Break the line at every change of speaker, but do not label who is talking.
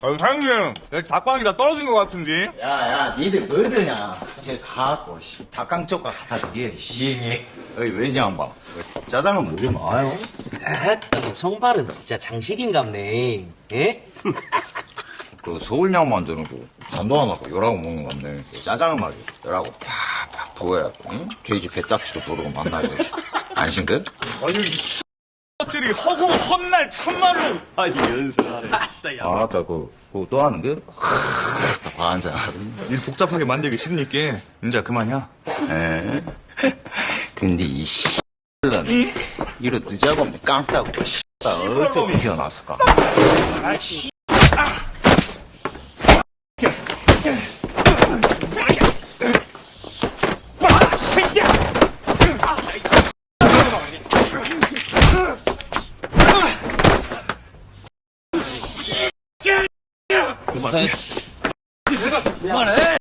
사장님, 여기 닭방이 다 떨어진 것 같은데?
야, 니들 뭐드냐? 쟤 가갖고, 닭강 쪽과 갖다 주게, 씨. 어이, 왜지, 안 봐? 짜장은 뭐 좀 와요?
아따, 성발은 진짜 장식인갑네. 예?
그 서울 양만드는 거, 잔도 안 하고 열하고 먹는 건데, 짜장은 말이야. 열하고 팍팍 부어야, 응? 돼지 배딱지도 모르고 만나야 돼. 안심돼?
아니, 이 것들이 허구, 헛날, 참말로.
아니, 연설하네.
아, 아까 그거 또 하는 게? 다 반장.
일 복잡하게 만들기 싫으니까, 이제 그만이야.
에? 근데 이 씨는 이런 늦자고 없는 깡따고 씨. 어디서 피어났을까?
그만해.